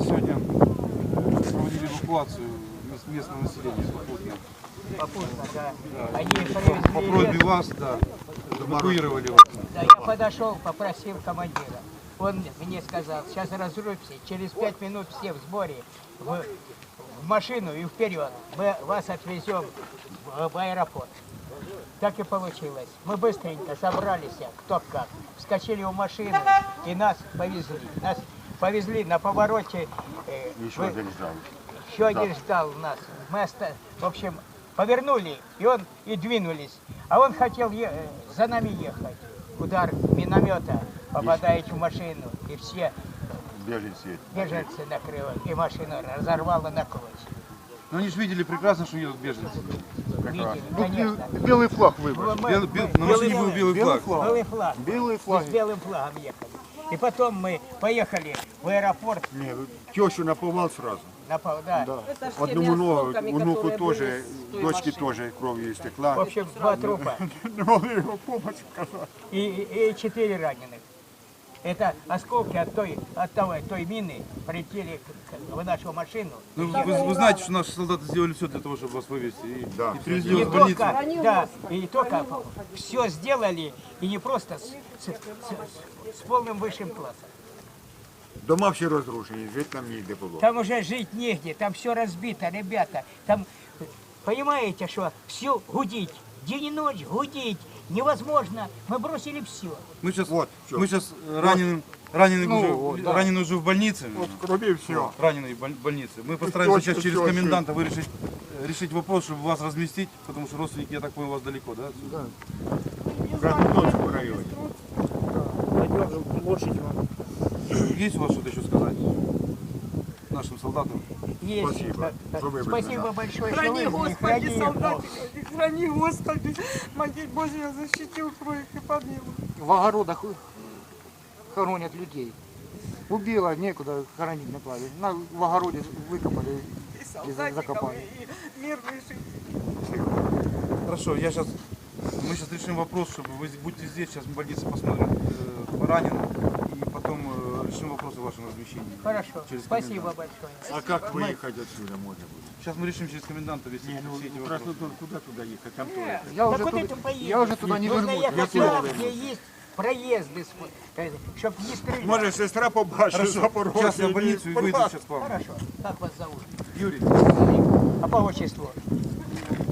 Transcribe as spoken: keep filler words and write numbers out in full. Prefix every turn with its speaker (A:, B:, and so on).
A: сегодня проводили эвакуацию местного населения попутно.
B: Попутно, да.
A: Да.
B: Они
A: По,
B: привезли
A: по просьбе
B: лес.
A: вас, да, эвакуировали вас.
B: Да, я подошел, попросил командира. Он мне сказал, сейчас разрубимся, через пять минут все в сборе, в, в машину и вперед. Мы вас отвезем в, в аэропорт. Так и получилось. Мы быстренько собрались, кто как, вскочили в машину и нас повезли. Нас повезли на повороте. Э,
C: Еще
B: вы,
C: один ждал.
B: еще один ждал нас. Мы, оста... в общем, повернули, и он и двинулись. А он хотел е... за нами ехать. Удар миномета попадает в машину, и все
C: Беженцы.
B: беженцы накрыло, и машину разорвало на клочья.
A: Но они же видели прекрасно, что едут беженцы.
B: Видели, конечно.
C: Белый флаг выбрали.
B: Мы-
A: Бел- бел- на машине был белый флаг.
B: Белый флаг.
C: Белый
B: Мы
C: флаг.
B: с белым флагом ехали. И потом мы поехали в аэропорт.
C: Не, тещу наповал сразу.
B: На, пол- да.
C: Да.
D: Это ж
C: Одному
D: теми
C: ногу,
D: осколками,
C: внуку
D: которые
C: тоже,
D: были с той
C: дочке
D: машины.
C: тоже кровью
B: В
C: истекла.
B: общем, два трупа
C: Не могли его помочь оказать.
B: и, и, и четыре раненых. Это осколки от той, от того, той мины прилетели к- к- в нашу машину.
A: Ну, вы, вы знаете, что наши солдаты сделали все для того, чтобы вас вывезти. И,
C: Да.
A: и привезли
B: Не
A: вас в больницу.
B: только, да, и не только все сделали, и не просто с, с- с- с полным высшим классом.
C: Дома все разрушені, жити нам ніде було.
B: Там уже жить негде, там все разбито, ребята. Там, понимаете, что все гудить, день и ночь гудить невозможно. Мы бросили все.
A: Мы сейчас,
C: Вот, всё.
A: мы сейчас раненым, раненый,
C: Ну,
A: уже,
C: вот, да.
A: раненый уже в больнице.
C: От крові все.
A: Раненый в боль- больнице. Мы постараемся
C: Точно,
A: сейчас через
C: точно.
A: коменданта вырешить, решить вопрос, чтобы вас разместить, потому что родственники, я так понял, у вас далеко, да? отсюда?
C: В Краснодонському районі.
A: Есть у вас что-то еще сказать нашим солдатам?
B: Есть.
C: Спасибо, что вы
B: Спасибо
C: были.
B: большое, что
D: Храни,
B: вы
D: Господи,
B: храни их, Бог.
D: солдаты, храни, Господи, Матерь Божья, защити, укрой их и помилуй.
E: В огородах хоронят людей. Убило, некуда хоронить на плаве. На, в огороде выкопали
D: И
E: и за-
D: солдатиков,
E: закопали.
D: и мирных жителей.
A: Хорошо, я сейчас, мы сейчас решим вопрос, чтобы вы будете здесь, сейчас в больнице посмотрим э, раненых, и потом э, решим вопрос о вашем размещении.
B: Хорошо.
A: Через
B: Спасибо
A: коменданта.
B: большое.
C: А как выехать отсюда можно будет?
A: Сейчас мы решим через коменданта вести
C: Не, ну
A: все эти
C: в
A: вопросы.
C: Краснодон куда туда ехать? Там тоже.
E: Я
B: Так
E: уже,
B: вот
E: туда,
B: это поедем.
E: я уже туда не
B: Нужно
E: вернусь.
B: ехать
C: Я
B: там,
C: тоже
B: где есть проезды, чтобы не стрелять.
C: Може сестра побачить
A: Хорошо,
C: Запорожжя.
A: сейчас я в больницу и выйду сейчас к вам.
B: Хорошо. Как вас зовут?
A: Юрий.
B: А по отчеству?